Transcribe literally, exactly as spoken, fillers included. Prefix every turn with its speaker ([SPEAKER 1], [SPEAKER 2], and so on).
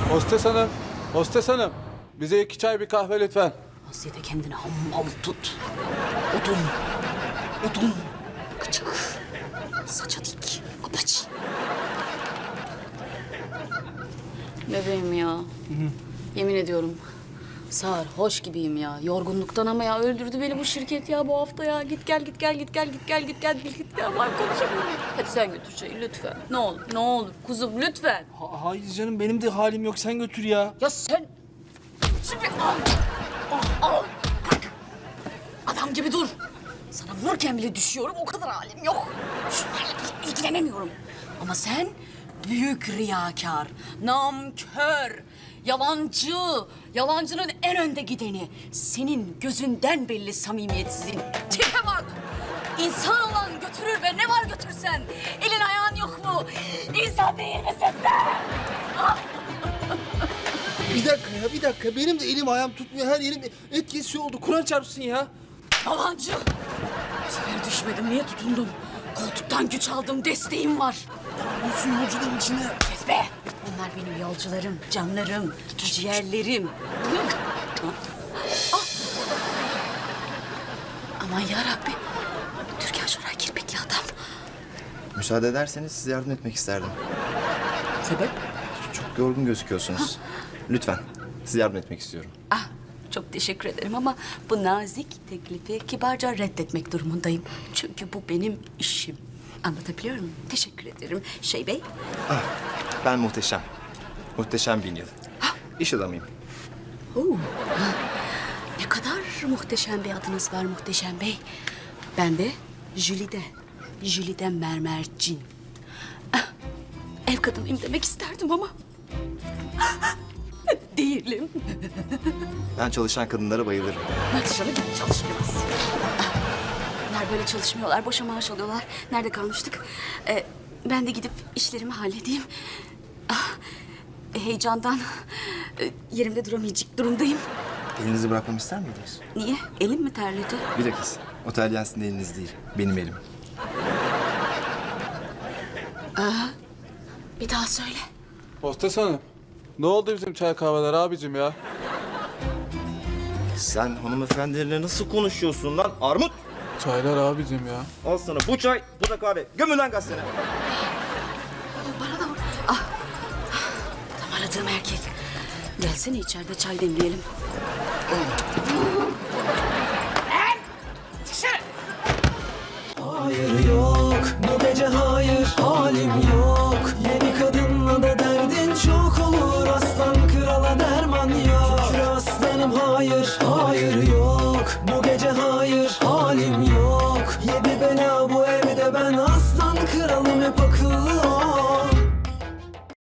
[SPEAKER 1] Hostes hanım, hostes hanım. Bize iki çay bir kahve lütfen.
[SPEAKER 2] Hasiyete kendini hammal tut. Odun. Odun. Gıcık. Saça dik. Apaç. Bebeğim ya. Hı hı. Yemin ediyorum. Sarhoş gibiyim ya. Yorgunluktan ama ya öldürdü beni bu şirket ya bu hafta ya. Git gel git gel git gel git gel git gel git git gel. Ben konuşamıyorum. Hadi sen götür çayı lütfen. Ne olur ne olur kuzum lütfen.
[SPEAKER 3] Ha- hayır canım benim de halim yok. Sen götür ya.
[SPEAKER 2] Ya sen... Şimdi al. Al, al. Kalk. Adam gibi dur. Sana vururken bile düşüyorum. O kadar halim yok. Şunlarla bile ilgilenemiyorum. Ama sen büyük riyakar, namkör, yalancı, yalancının en önde gideni. Senin gözünden belli samimiyetsizin. Tipe bak. İnsan olan götürür ve ne var götürsen. Elin ayağın yok mu? İnsan değil misin sen?
[SPEAKER 3] Bir dakika ya bir dakika. Benim de elim ayağım tutmuyor. Her yerim et kesiyor oldu. Kur'an çarpsın ya.
[SPEAKER 2] Yalancı. Bu sefer düşmedim. Niye tutundum? Koltuktan güç aldım. Desteğim var.
[SPEAKER 3] Olsun yolcuların içine.
[SPEAKER 2] Kes be. Bunlar benim yolcularım, canlarım, ciğerlerim. Ah. Aman yarabbi. Türkan Şoray kirpikli adam.
[SPEAKER 4] Müsaade ederseniz size yardım etmek isterdim.
[SPEAKER 2] Sebep?
[SPEAKER 4] Çok yorgun gözüküyorsunuz. Lütfen, size yardım etmek istiyorum.
[SPEAKER 2] Ah, çok teşekkür ederim ama bu nazik teklifi kibarca reddetmek durumundayım. Çünkü bu benim işim. Anlatabiliyor muyum? Teşekkür ederim. Şey Bey.
[SPEAKER 4] Ah, ben Muhteşem. Muhteşem Bin Yıl. İş adamıyım.
[SPEAKER 2] Oo. Ne kadar muhteşem bir adınız var Muhteşem Bey. Ben de Jülide. Jülide Mermercin. Ah, ev kadınıyım demek isterdim ama... değilim.
[SPEAKER 4] Ben çalışan kadınlara bayılırım.
[SPEAKER 2] Çalışanı gibi çalışmıyoruz. Ah, bunlar böyle çalışmıyorlar, boşa maaş alıyorlar. Nerede kalmıştık? Ee, ben de gidip işlerimi halledeyim. Ah, heyecandan e, yerimde duramayacak durumdayım.
[SPEAKER 4] Elinizi bırakmamı ister miydiniz?
[SPEAKER 2] Niye? Elim mi terledi?
[SPEAKER 4] Bilakis, otel Yansın eliniz değil, benim elim.
[SPEAKER 2] Bir daha söyle.
[SPEAKER 1] Hostes hanım, ne oldu bizim çay kahveler abicim ya?
[SPEAKER 4] Sen hanımefendilerine nasıl konuşuyorsun lan armut?
[SPEAKER 1] Çaylar abicim ya.
[SPEAKER 4] Al sana bu çay, bu da kahve. Gömün lan gazeteni.
[SPEAKER 2] Bana da vur. Ah. Tam aradığım erkek. Gelsene içeride çay demleyelim.
[SPEAKER 5] Hayır yok, bu gece hayır, halim yok. Yeni kadınla da derdin çok olur, aslan krala derman yok. Şükür aslanım hayır, hayır yok. Bu gece hayır, halim yok. Yedi bela bu evde ben aslan kralım hep akıllı ol.